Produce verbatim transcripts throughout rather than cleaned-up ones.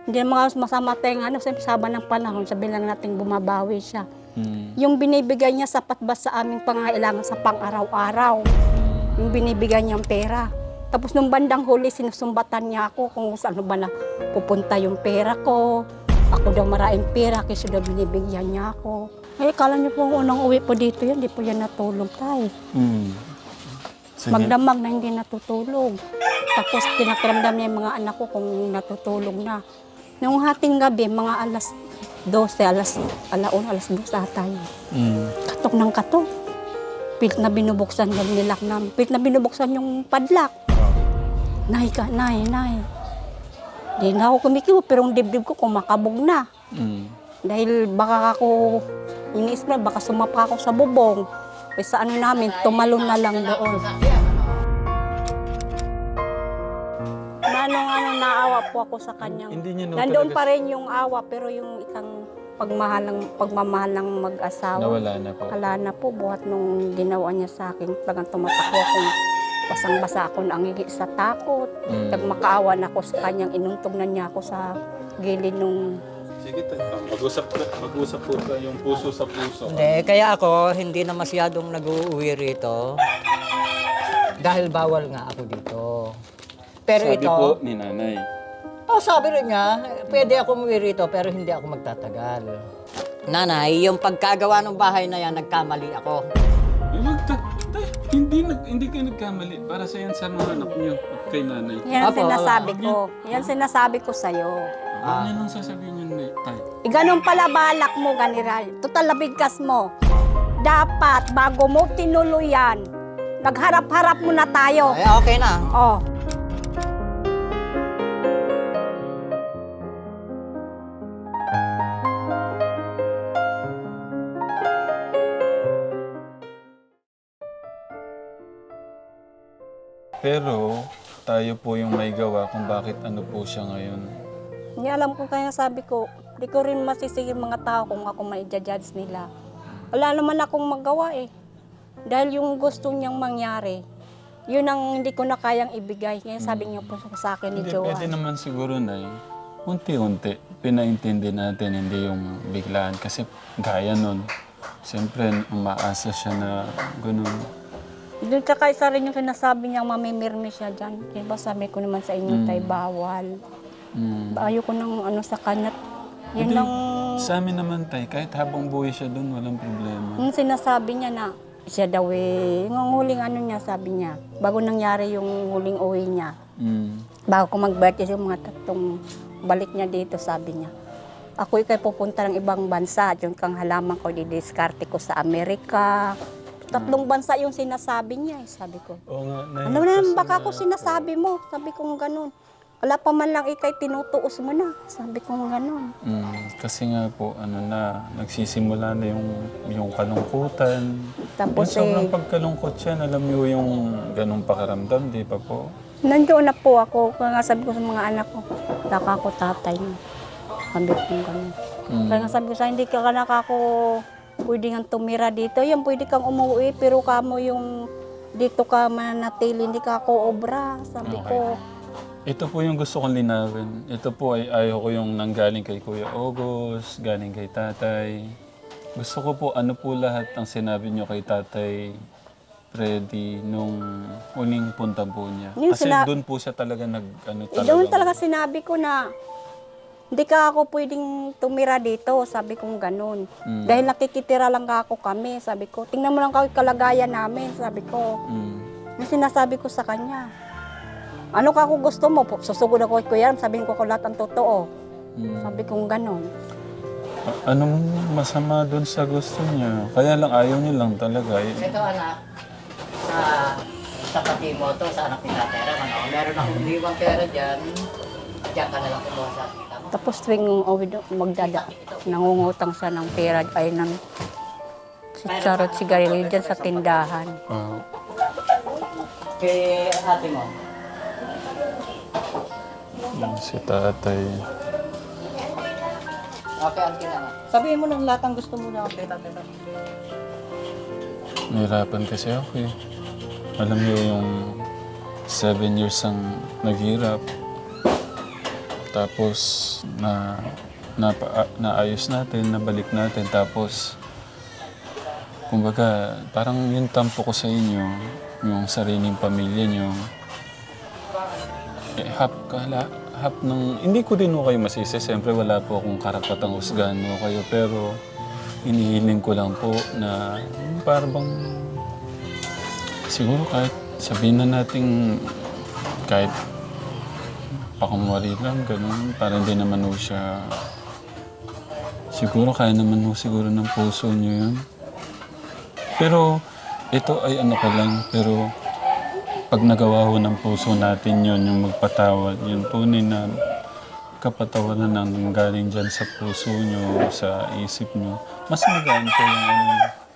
Hindi naman masama tayong ano, sabi saba ng panahon, sabi lang natin bumabawi siya. Mm. Yung binibigay niya sapat ba sa aming pangailangan sa pang-araw-araw? Yung binibigay niyang pera. Tapos nung bandang huli, sinusumbatan niya ako kung saan ba na pupunta yung pera ko. Ako daw maraming pera kasi daw binibigyan niya ako. Eh, kala niyo po unang uwi po dito yan, di po yan natulog tayo. Mm. Sige. Magdamag na hindi natutulog. Tapos tinakiramdam niya yung mga anak ko kung natutulog na. Nung hating gabi, mga alas dose, alas, alaon, alas dos ata yun. Mm. Katok ng katok. Pilit na binubuksan yung nilak namin. Pilit na binubuksan yung padlak. Nay ka, nay, nay. Di na ako kumikibo, pero yung dibdib ko kumakabog na. Mm. Dahil baka ako, iniisip na, baka sumapa ako sa bubong. Eh sa ano namin, tumalon na lang doon. Manong ano, naawa po ako sa kanyang. Hindi niya no Nandoon talaga- pa rin yung awa, pero yung ikang pagmahal ng, pagmamahal ng mag-asawa. Nawala na po. Wala na po, buhat nung ginawa niya sa akin. Talagang tumatakbo akong basang-basa ako na angingi sa takot. Mm. Nagmakaawa na ako sa kanyang, inuntog na niya ako sa gilid nung... Sige, mag-usap, mag-usap po yung puso sa puso. Hindi, kaya ako hindi na masyadong nag-uuwi rito. Dahil bawal nga ako dito. Pero Sabi ito, po ni nanay. oh, sabi rin niya, pwede ako umuwi rito pero hindi ako magtatagal. Nanay, yung pagkagawa ng bahay na yan, nagkamali ako. Eh, wag ta- ta- hindi, nag, hindi kayo nagkamali. Para sa yan sa mga anak niyo at kay nanay. Yan ang Apo, sinasabi ko. Yan sinasabi ko sa'yo. Ano niyo nang sasabihin niyo na tay? E ganun pala balak mo, ganira. Total labigkas mo. Dapat, bago mo tinuluyan, nagharap-harap muna tayo. Ay, okay na. Oh. Pero tayo po yung may gawa kung bakit ano po siya ngayon. Hindi alam ko kaya sabi ko, di ko rin masisigi mga tao kung ako ma-judge nila. Wala naman akong magawa eh. Dahil yung gusto niyang mangyari, yun ang hindi ko na kayang ibigay. Kaya sabi niya po sa akin ni Hindi, pwede Joanne. naman siguro na unti-unti, pinaintindi natin, hindi yung biglaan. Kasi gaya nun, siyempre umaasa siya na ganun. Doon tsaka isa rin yung sinasabi niya, mamimirmi siya dyan. Diba sabi ko naman sa inyo, tay, bawal. Mm. Ayoko nang ano sa kanya. Yun Hindi, lang, sa amin naman tay, kahit habang buhay siya dun, walang problema. yung sinasabi niya na, siya daw eh, yung huling ano niya, sabi niya, bago nangyari yung huling uwi niya, Mm. bago ko mag-birthday yung mga tatlong balik niya dito, sabi niya, ako ikay pupunta ng ibang bansa, at yung kang halaman ko, didiskarte ko sa Amerika. Tatlong bansa yung sinasabi niya, eh, sabi ko. Oo nga, Nay, Ano na, kasi baka nga- ako sinasabi mo, sabi ko ganun. Wala pa man lang ikay tinutuos mo na, sabi ko ganun. Mm, kasi nga po, ano na, nagsisimula na yung, yung kalungkutan. Tapos yung sobrang eh, pagkalungkot siya, alam niyo yung ganong pakaramdam, di pa po? nandoon na po ako, kaya nga sabi ko sa mga anak ko, taka ko tatay mo. Sabi ko ganun. Mm. Kaya nga sabi ko sa hindi ka ka nakako, pwede kang tumira dito. Yan, pwede kang umuwi, pero kamo yung dito ka mananatili, hindi ka ako obra, sabi Okay. ko. Ito po yung gusto kong linawin. Ito po ay ayaw ko yung nanggaling kay Kuya August, galing kay tatay. Gusto ko po ano po lahat ang sinabi niyo kay tatay Freddy nung huling punta po niya. Yung Kasi sina- doon po siya talaga nag ano Eh, doon talaga sinabi ko na hindi ka ako pwedeng tumira dito, sabi kong ganun. Mm. Dahil nakikitira lang ka ako kami, sabi ko. Tingnan mo lang kami kalagayan namin, sabi ko. Mm. Yung sinasabi ko sa kanya. Ano ka kung gusto mo? Susugod ako kay Kuya, sabihin ko ko lahat ang totoo. Mm. Sabi kong ganun. A- Anong masama doon sa gusto niya? Kaya lang ayaw niya lang talaga. Eh, Ito anak, sa sa pati mo to, sa anak ni Tatay Ram, ano, meron akong liwang pera dyan. Diyan ka na lang kumuha sa kita mo. Tapos tuwing uwi doon, magdada, nangungutang siya ng pera ay ng si Charot sigarilyo dyan sa tindahan. ah, Kay ate mo. yung si tatay. Okay, auntie na nga. Sabihin mo ng lahat ang gusto mo na kay Tatay Ram. Nahirapan kasi ako eh. Alam niyo yung seven years ang naghirap. Tapos na, na naayos natin, nabalik natin. Tapos, kumbaga, parang yung tampo ko sa inyo, yung sariling pamilya nyo, eh, hap, kala, hap ng, hindi ko din ho kayo masisi. Siyempre, wala po akong karapatang husgahan mo kayo. Pero, inihiling ko lang po na yung parang bang, siguro kahit sabihin na natin kahit pakumwari lang, ganun, parang hindi naman ho siya, siguro kaya naman ho siguro ng puso niyo yun. Pero ito ay ano ko lang, pero pag nagawa ho ng puso natin yun, yung magpatawad, yun po na kapatawaran ng galing dyan sa puso nyo, sa isip nyo, mas magaan po yung ano.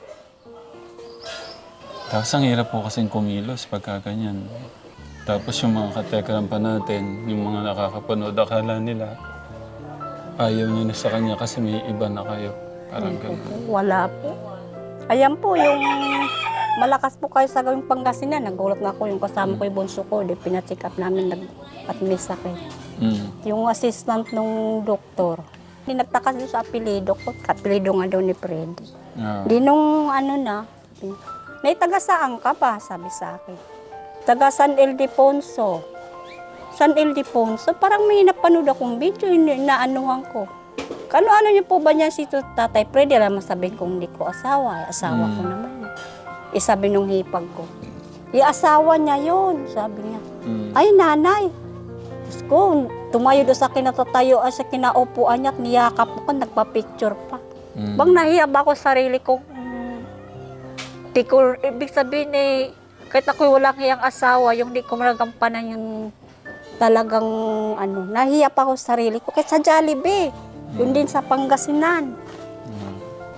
Tapos ang hirap po kasing kumilos pagka ganyan. Tapos yung mga katekram pa natin, yung mga nakakapanood, akala nila ayaw nyo na sa kanya kasi may iba na kayo. Parang ganun. Wala po. Ayan po, yung malakas po kayo sa gawing Pangasinan. Nagulat na ako yung kasama ko yung bunso ko. Di pinacheck up namin nag at may sakit. Mm. Yung assistant ng doktor. Hindi nagtaka doon sa apelido ko. Apelido nga daw ni Freddy. Yeah. Di nung ano na, may taga saan ka ba? Sabi sa akin. Taga San Ildefonso. San Ildefonso? Parang may napanood akong video, inaanuhan ko. Kano-ano niyo po ba niya si Tatay Freddy? Alam mo sabihin kong hindi ko asawa. Asawa ko Mm. naman. Isabi nung hipag ko. I-asawa niya yun, sabi niya. Mm. Ay, nanay. Diyos ko, tumayo doon sa kinatatayo, sa kinaupuan niya at niyakap ko, nagpa-picture pa. Mm. Bang nahiya ba ako sa sarili ko? Mm, di ko, ibig sabihin eh, kahit ako'y walang hiyang asawa, yung di ko maragampanan yung talagang, ano, nahiya pa ako sa sarili ko. Kahit sa Jollibee, yun din sa Pangasinan. Mm.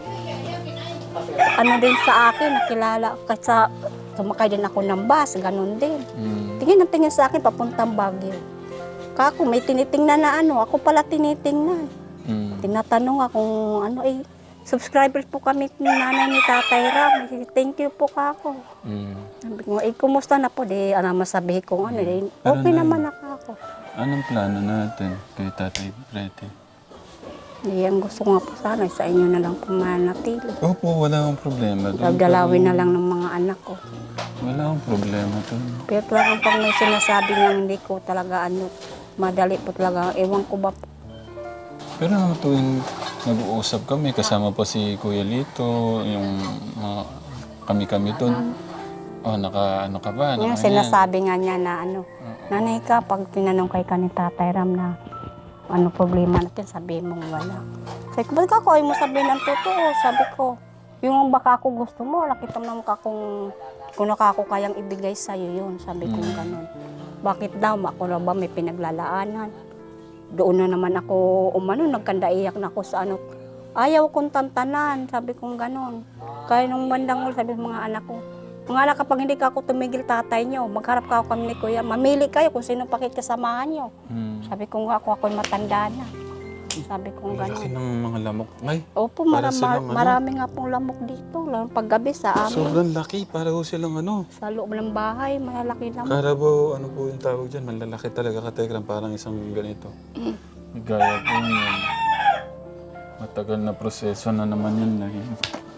Ano din sa akin, nakilala, kahit sa, sumakay din ako ng bus, ganun din. Mm. Tingin ng tingin sa akin, papuntang Baguio. Kako, may tinitingnan na ano, ako pala tinitingnan. Mm. Tinatanong ako kung ano, eh, subscribers po kami ni nanay ni Tatay Ram. Thank you po kako. Mm. Sabi ko, eh, kumusta na po? Di, ano, masabihin ko, ano, eh, Pero okay na- naman na ako. Anong plano natin kay Tatay Freddy? Eh, ang gusto ko nga po sana, sa inyo na lang po manatili. Opo, wala akong problema doon. Dagdalawin na lang ng mga anak ko. Wala akong problema doon. Pero talagang pag may sinasabi niya, hindi ko talaga, ano, madali po talaga, ewan ko ba po. Pero naman tuwing nag-uusap kami, kasama pa si Kuya Lito, yung mga kami-kami doon. Oh, naka, ano ka ba? Yung Naka yan. sinasabi nga niya na ano, nanay ka, pag tinanong kay ka ni Tatay Ram na ano problema natin, sabihin mong wala. Sabi ko, ba't ako ayaw mo sabihin ang totoo? Sabi ko, yung baka ako gusto mo, nakita mo naman ka kung, kung nakako kayang ibigay sa'yo yun. Sabi ko ganun. Bakit daw? Ako na ba may pinaglalaanan? Doon na naman ako umano, nagkandaiyak na ako sa ano. Ayaw kong tantanan, sabi kong ganun. Kaya nung bandang ulo, sabi ng mga anak ko, mga anak, kapag hindi ka ako tumigil tatay nyo, magharap ka ako kami ni Kuya, mamili kayo kung sino pakikasamahan nyo. Hmm. Sabi ko nga, ako ako'y matanda na. Sabi ko Laki gano'n. ng mga lamok. Ay, Opo, para mara, silang ano? marami nga pong lamok dito. Lalo paggabi sa amin. sobrang laki. Para ho silang ano. Sa loob ng bahay, malalaki lamok. Carabao, ano po yung tawag dyan? Malalaki talaga katekram, parang isang ganito. Gaya po yun. Matagal na proseso na naman yun. Eh.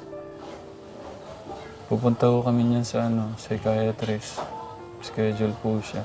Pupunta ko kami niyan sa ano, psychiatrist. Schedule po siya.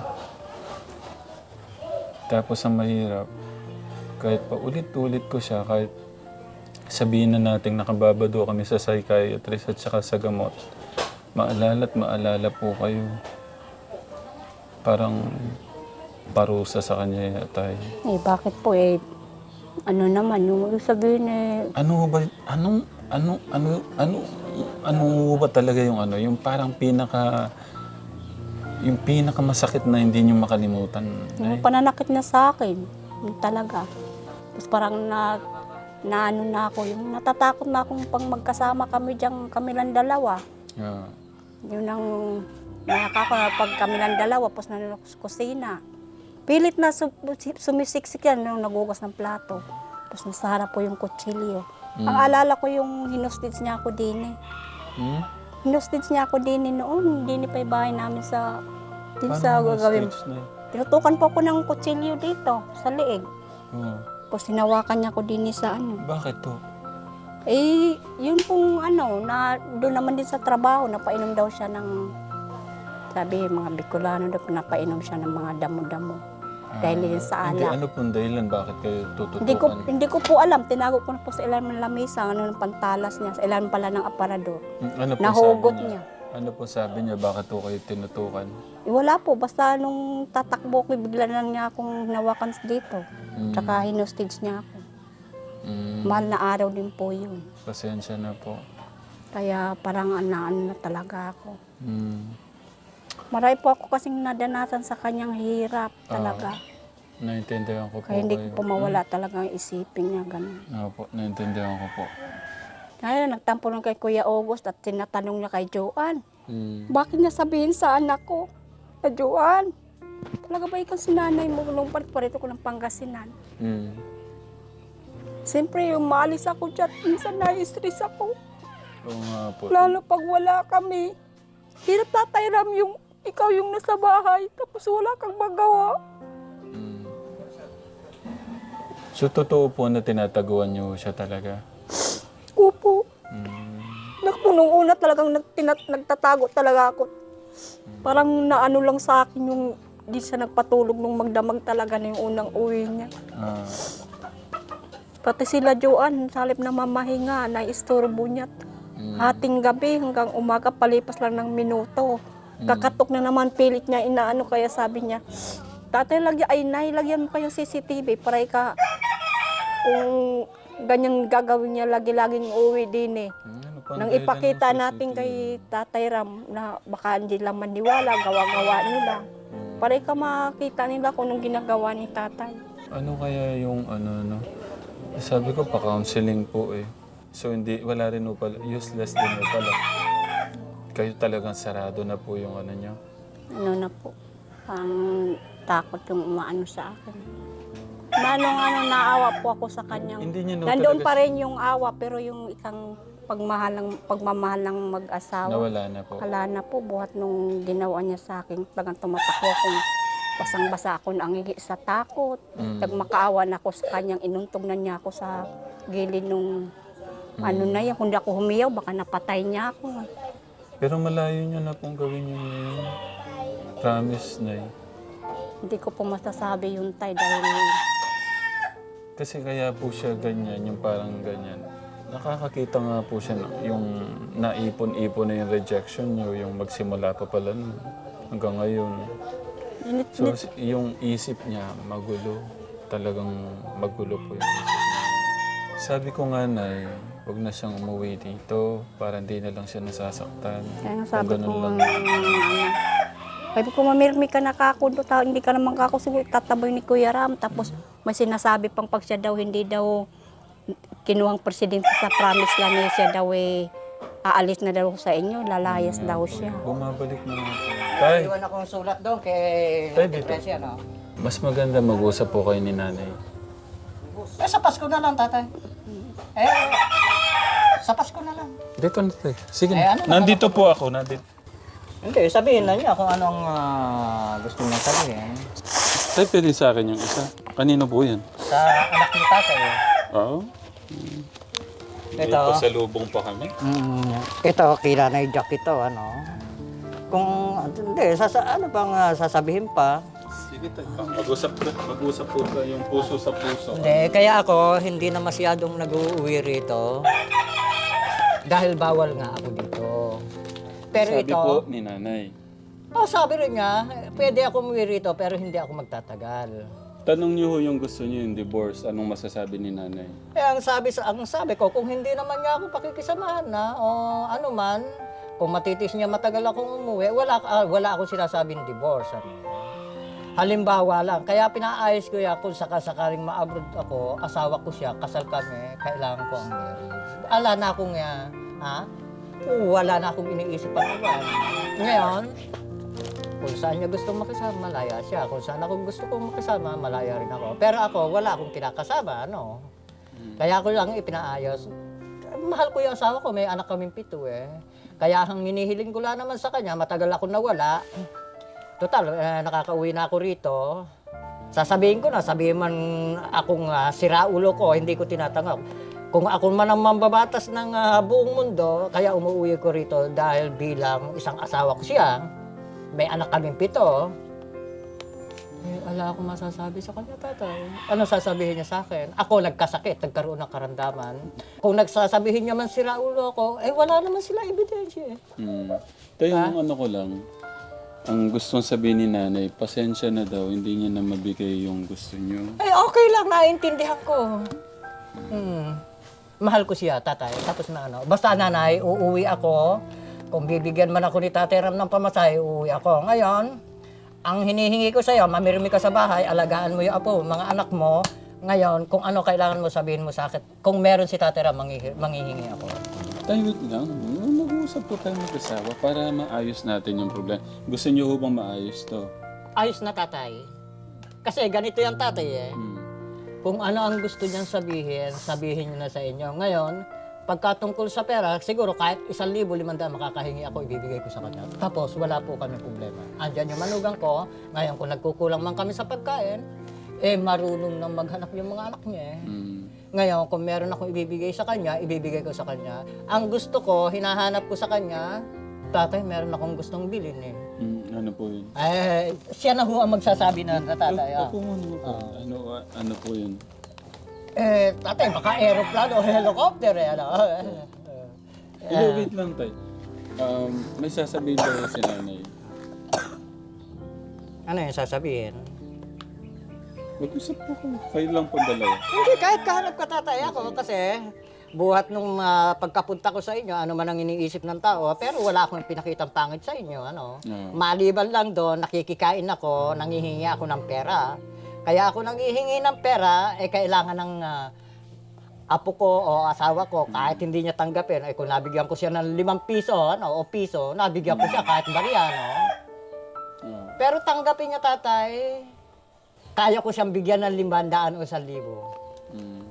Tapos ang mahirap, kahit pa ulit-ulit ko siya, kahit sabihin na natin nakababado kami sa psychiatrist at saka sa gamot, maalala at maalala po kayo. Parang parusa sa kanya yata. Eh, bakit po eh, ano naman, yung sabihin eh, Ano ba, anong, ano, ano, ano, ano ba talaga yung ano, yung parang pinaka, yung pinaka masakit na hindi nyo makalimutan? yung Ay, pananakit niya sa akin, yung talaga. Tapos parang na, na ano na ako, yung natatakot na akong pang magkasama kami dyan, kami lang dalawa. yeah. Yun ang nakaka na pag kami lang dalawa, tapos na sa kusina. Pilit na su- sumisiksik yan nung nagugas ng plato. Tapos nasa harap po yung kutsilyo. Mm. Ang alala ko yung hinustage niya ako din eh. Hmm? Hinustage niya ako din eh noon. Hindi pa yung bahay namin sa, din Paano sa yung gagawin. stage na yun? Tinutukan po ako ng kutsilyo dito, sa leeg. Oh. Tapos hinawakan niya ko din sa ano. Bakit to? Eh, yun pong ano, na doon naman din sa trabaho, napainom daw siya ng, sabi, mga Bicolano daw, napainom siya ng mga damo-damo. Dahil yun sa Hindi, alak. ano pong dahilan? Bakit kayo tututukan? Hindi ko, hindi ko po alam, tinago ko na po sa ilalim ng lamesa, ano ng pantalas niya, sa ilalim pala ng aparador. Hmm, Ano po Nahugot sabi niya? niya. Ano po sabi niya? Bakit po kayo tinutukan? Eh, wala po, basta nung tatakbo ko, bigla na niya akong hinawakan dito. Hmm. Tsaka hinostage niya ako. Hmm, Mahal na araw din po yun. pasensya na po. Kaya parang ano na talaga ako. Hmm. Marami po ako kasing nadanasan sa kanyang hirap talaga. Naintindihan ko po Kaya hindi kayo. ko po mawala talaga ang isipin niya ganun. Oo po, naintindihan ko po. Kaya nagtampo lang kay Kuya August at tinatanong niya kay Joanne, Hmm. bakit niya sabihin sa anak ko, na Joanne, talaga ba ikaw sinanay mo nung parito ko ng Pangasinan? Hmm. Siyempre, umalis ako dyan, minsan na-stress ako. Oo nga po. Lalo pag wala kami. Hirap Tatay Ram yung ikaw yung nasa bahay, tapos wala kang magawa. Hmm. So, totoo po na tinataguan niyo siya talaga? Opo. Hmm. Naku, nung una talagang nag, tinat, nagtatago talaga ako. Parang naano lang sa akin yung di siya nagpatulog nung magdamag talaga na yung unang uwi niya. Ah. Pati sila Joanne, sa halip na mamahinga, na-istorbo niya. Hmm. Hating gabi hanggang umaga, palipas lang ng minuto. Kakatok na naman, pilit niya, inaano, kaya sabi niya, tatay, lagyan, ay nay, lagyan mo kayong C C T V para ka, kung ganyan gagawin niya, lagi-laging uwi din eh. Hmm, ano pa ang Nang dahilan ipakita ng natin C C T V? kay Tatay Ram na baka hindi lang maniwala, gawa-gawa nila. Hmm. Para ka makita nila kung anong ginagawa ni Tatay. Ano kaya yung ano, no? Sabi ko pa counseling po eh. So hindi, wala rin po pala, useless din po pala. Kayo talagang sarado na po yung ano nyo. Ano na po, ang takot yung umaano sa akin. Manong ano, naawa po ako sa kanya. Hindi niya no Nandoon talaga pa rin yung awa, pero yung isang pagmahal ng, pagmamahal ng mag-asawa, nawala na po. wala na po. Buhat nung ginawa niya sa akin, talagang tumatakbo akong basang-basa ako na angihi sa takot. Mm. Nagmakaawa na ako sa kanyang, inuntog na niya ako sa gilid nung ano na yan. Kung di ako humiyaw, baka napatay niya ako. Pero malayo nyo na pong gawin yun ngayon. Promise, Nay. Hindi ko po masasabi yun, Tay, dahil Kasi kaya po siya ganyan, yung parang ganyan. Nakakakita nga po siya ng- yung naipon-ipon na yung rejection nyo, yung magsimula pa pala nun, hanggang ngayon. init, So, s- yung isip niya, magulo. Talagang magulo po yung isip niya. Sabi ko nga, Nay, huwag na siyang umuwi dito para hindi na lang siya nasasaktan. Kaya nga Kung sabi ko, ganun lang. ano, sabi ko, mamirmi ka na kakundo, ta- hindi ka naman kako, siguro tataboy ni Kuya Ram. Tapos may sinasabi pang pag siya daw, hindi daw kinuhang presidente sa promise lang niya, siya daw eh, aalis na daw sa inyo, lalayas daw siya. Bumabalik na nga po. Tay, Iwan akong sulat doon kay Tay, dito. Depresya, no? mas maganda mag-usap po kayo ni Nanay. Eh, sa Pasko na lang, tatay. Eh, sa Pasko na lang. Dito na, Tay. Sige Eh, na. ano na- Nandito po ako. Nandito. Hindi, sabihin na niya kung anong ah, gusto niya sabihin. Tay, pwede sa akin yung isa. Kanino po yan? Sa anak ni tatay. eh. Oo. Ito. Pasalubong pa kami. Mm, ito, kila na Jack ito, ano. Kung, hindi, sasa, ano bang ah, sasabihin pa? Sige, Tay. Mag-usap po. Mag-usap po ka yung puso sa puso. Hindi, kaya ako hindi na masyadong nag-uuwi rito. Dahil bawal nga ako dito. Pero Sabi ito, po ni Nanay. oh, sabi rin niya, pwede ako umuwi rito pero hindi ako magtatagal. Tanong niyo ho yung gusto niyo yung divorce. Anong masasabi ni Nanay? Eh, ang sabi, sa, ang sabi ko, kung hindi naman niya ako pakikisamahan na, o ano man, kung matitis niya matagal akong umuwi, wala, ah, wala akong sinasabing divorce. Ano. Halimbawa lang, kaya pinaayos ko yan kung sakasakaling ma-abroad ako, asawa ko siya, kasal kami, kailangan ko ang marriage. Ala na akong, uh, ha? Wala na akong iniisip pa naman. Ngayon, kung saan niya gusto makisama, malaya siya. Kung saan ako gusto kong makisama, malaya rin ako. Pero ako, wala akong kinakasama, ano. Kaya ako lang ipinaayos. Mahal ko yung asawa ko, may anak kaming pito eh. Kaya ang minihiling ko lang naman sa kanya, matagal ako nawala. Total, eh, nakakauwi na ako rito. Sasabihin ko na, sabihin man akong uh, siraulo ko, hindi ko tinatanggap. Kung ako man ang mambabatas ng ah, buong mundo, kaya umuwi ko rito dahil bilang isang asawa ko siya, may anak kaming pito, eh, wala akong masasabi sa kanya, tatay. Ano sasabihin niya sa akin? Ako nagkasakit, nagkaroon ng karamdaman. Kung nagsasabihin niya man siraulo ko, eh wala naman sila ebidensya eh. Mm. Tayo, yung ano ko lang, ang gustong sabihin ni nanay, pasensya na daw, hindi niya na mabigay yung gusto niyo. Eh okay lang, naiintindihan ko. Hmm. Mahal ko siya, tatay. Tapos na ano. Basta nanay, uuwi ako. Kung bibigyan man ako ni Tatay Ram ng pamasahe, uuwi ako. Ngayon, ang hinihingi ko sa'yo, mamirmi ka sa bahay, alagaan mo yung apo, mga anak mo. Ngayon, kung ano kailangan mo, sabihin mo sa akin. Kung meron si Tatay Ram, manghihi- manghihingi ako. Tayo, wait lang. Mag-uusap po tayo mag-asawa para maayos natin yung problema. Gusto niyo ho bang maayos to? Ayos na, tatay. Kasi ganito yung tatay eh. Hmm. Kung ano ang gusto niyang sabihin, sabihin niyo na sa inyo. Ngayon, pagkatungkol sa pera, siguro kahit isang libo, limandaan makakahingi ako, ibibigay ko sa kanya. Tapos, wala po kami problema. Andyan yung manugang ko. Ngayon, kung nagkukulang man kami sa pagkain, eh, marunong nang maghanap yung mga anak niya eh. Hmm. Ngayon, kung meron akong ibibigay sa kanya, ibibigay ko sa kanya. Ang gusto ko, hinahanap ko sa kanya, tatay, meron akong gustong bilhin eh. Hmm. Ano po yun? Eh, siya na ho ang magsasabi na na tatay. Ah. Opo muna po. Ano, ano po yun? Eh, tatay, baka aeroplano o helicopter eh. Ano? Hello, wait lang tayo. Um, may sasabihin daw si nanay. Ano yung sasabihin? Mag-usap po ko. Kayo lang po dalawa. Hindi, kahit kahanap ka tatay ako kasi buhat nung ah, pagkapunta ko sa inyo, ano man ang iniisip ng tao, pero wala akong pinakitang pangit sa inyo. Ano? Oo. Maliban lang doon, nakikikain ako, nangihingi ako ng pera. Kaya ako nangihingi ng pera, eh kailangan ng ah, apo ko o asawa ko, kahit hindi niya tanggapin, eh kung nabigyan ko siya ng limang piso ano, o piso, nabigyan ko siya kahit bariya. No? Oo. Pero tanggapin niya tatay, kaya ko siyang bigyan ng limandaan o isang libo. Mm.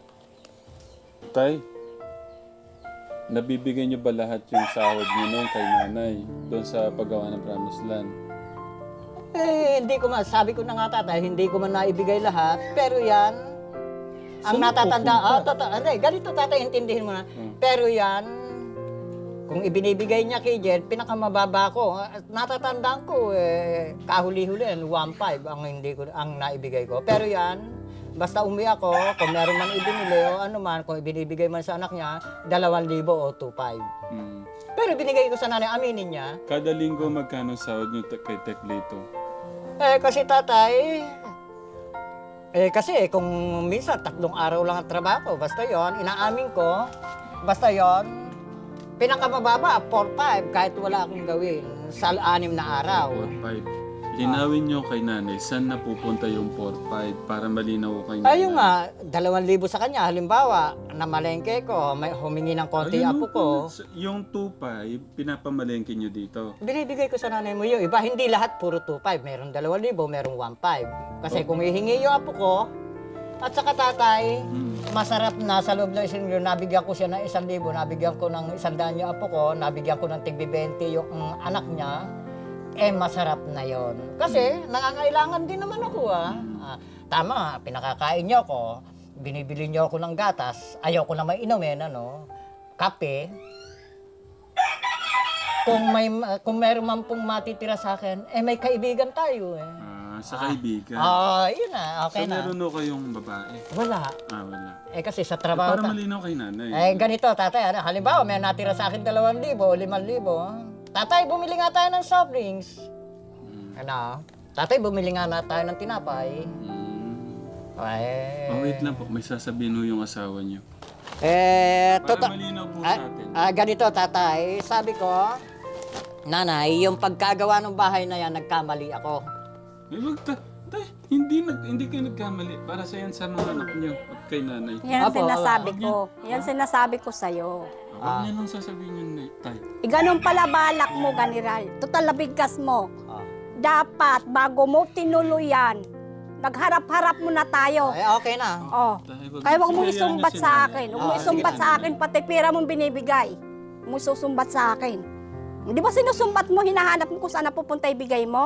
Tay, nabibigay niyo ba lahat yung sahod niyo noon kay nanay doon sa paggawa ng Promised Land? Eh, hindi ko man, sabi ko na nga tatay, hindi ko man naibigay lahat, pero yan, ang Saan natatanda, pupunta? ah, tata, hindi, ganito tatay, intindihin mo na, Hmm. pero yan, kung ibinibigay niya kay Jed, pinakamababa ko, ah, natatandaan ko, eh, kahuli-huli, one five ang hindi ko, ang naibigay ko, pero yan, basta umi ako, kung meron man ibinili o ano man, kung ibinibigay man sa anak niya, dalawang libo o two five. Mm. Pero binigay ko sa nanay, aminin niya, Kada linggo magkano sahod niyo te- kay Teklito? eh, kasi tatay, eh, kasi kung minsan tatlong araw lang ang trabaho, basta yon inaamin ko, basta yon pinakamababa, four five, kahit wala akong gawin, sa anim na araw. four five. Linawin niyo kay nanay, saan napupunta yung four five para malinaw kay nanay? Ayun nga, dalawang libo sa kanya, halimbawa, namalengke ko, may humingi ng konti Ayun, apo ko, Yung two five, pinapamalengke niyo dito. binibigay ko sa nanay mo yung iba, hindi lahat puro two five, meron dalawang libo, meron one five. Kasi kung hihingi yung apo ko, at saka tatay, Mm. masarap na sa loob ng isang libo, nabigyan ko siya ng isang libo, nabigyan ko ng isang daan yung apo ko, nabigyan ko ng tigbi twenty yung mm, anak niya, eh masarap na yon. Kasi nangangailangan din naman ako ah. Ah, tama, pinakakain niyo ako, binibili niyo ako ng gatas, ayaw ko na may inumin, ano, kape. Kung may kung meron man pong matitira sa akin, eh may kaibigan tayo eh. Ah, sa kaibigan. Ah, yun na, okay so, na. meron ho kayong babae? Wala. Ah, wala. Eh kasi sa Eh, trabaho para ta- malinaw kay nanay. eh ganito tatay, ano, halimbawa may natira sa akin dalawang libo o limang libo. Tatay, bumili nga tayo ng soft drinks. Mm. Ano? Tatay, bumili nga na tayo ng tinapay. Mm. Eh, Oh, wait lang po. May sasabihin ho yung asawa niyo. eh, Para tota- malinaw po ah, sa atin. ah, ganito tatay, sabi ko, nanay, yung pagkagawa ng bahay na yan, nagkamali ako. Eh, wag ta. Tay, hindi, nag, hindi kayo nagkamali. Para sa yan sa mga anak niyo at kay nanay. Yan ang Apo, sinasabi apo. ko. Yan sinasabi ko sa'yo. Huwag niyo nang sasabihin yun, Nay. Tay. E ganun pala balak mo, ganiray. Total nabigkas mo. Ah. Dapat, bago mo tinuluyan, nagharap-harap muna tayo. Eh, okay na. Oh. Tay, wag Kaya huwag mo hayaan niyo isumbat si sa nanay. akin. Huwag mo Ah, isumbat sige. sa akin, pati pera mong binibigay. Huwag mo isusumbat sa akin. Di ba sinusumbat mo, hinahanap mo kung saan napupunta ibigay mo?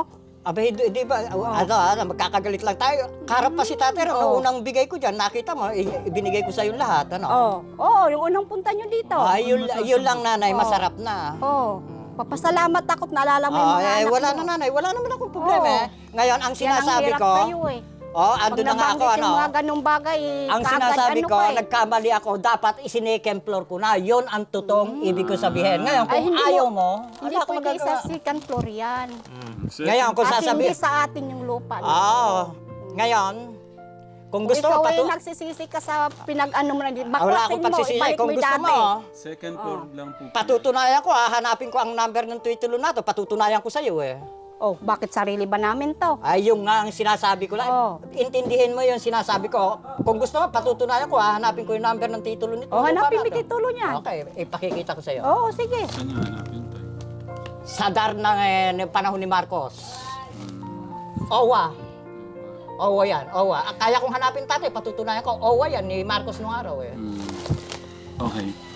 Abay, di, di ba, ano, ano, magkakagalit lang tayo. Karap pa si tatay, ano, Oo. unang bigay ko dyan, nakita mo, i- ibinigay ko sa yung lahat, ano. Oo, oh, yung unang punta nyo dito. Ay, yun, yun lang nanay, Oo. masarap na. Oo, papasalamat ako't naalala mo yung Ah, mga eh, anak wala mo. na nanay, wala naman akong problema Oo. eh. Ngayon, ang Yan ang sinasabi hirap ko, sa'yo eh. oh, Pag ando na nga ako, nabanggit ano. yung mga ganong bagay, Ang kaagad sinasabi ano ko, ka eh. nagkamali ako, dapat isinekem floor ko na. Yun ang totoong ibig ko sabihin. Ngayon, Ay, kung hindi ayaw mo- mo, Hindi wala akong pwede sa magagawa. second floor yan. Ngayon, kung At sasabi, hindi sa atin yung lupa. Oo. Ngayon, kung Kung gusto ikaw mo, ay patu- nagsisisi ka sa pinag-ano mo na dito, Ah, wala baklasin akong mo, pagsisisi. ibalik Kung mo yung gusto dati. mo, Second floor lang po. patutunayan ko, ah, hanapin ko ang number ng titulo na to, patutunayan ko sa'yo eh. Oh, bakit sarili ba namin to? Ay, yung nga ang sinasabi ko lang. Oo. Intindihin mo yung sinasabi ko. Kung gusto mo, patutunayan ko, ah, hanapin ko yung number ng titulo nito. Oh, hanapin mo Para to. yung titulo niyan. Okay, ipakikita ko sa'yo. Oo, sige. Saan niyo hanapin tayo? Sa dar ng eh, ng panahon ni Marcos. Owa. Owa yan, Owa. Ah, Kaya kong hanapin tatay, patutunayan ko, Owa yan ni Marcos nung araw eh. Hmm. Okay.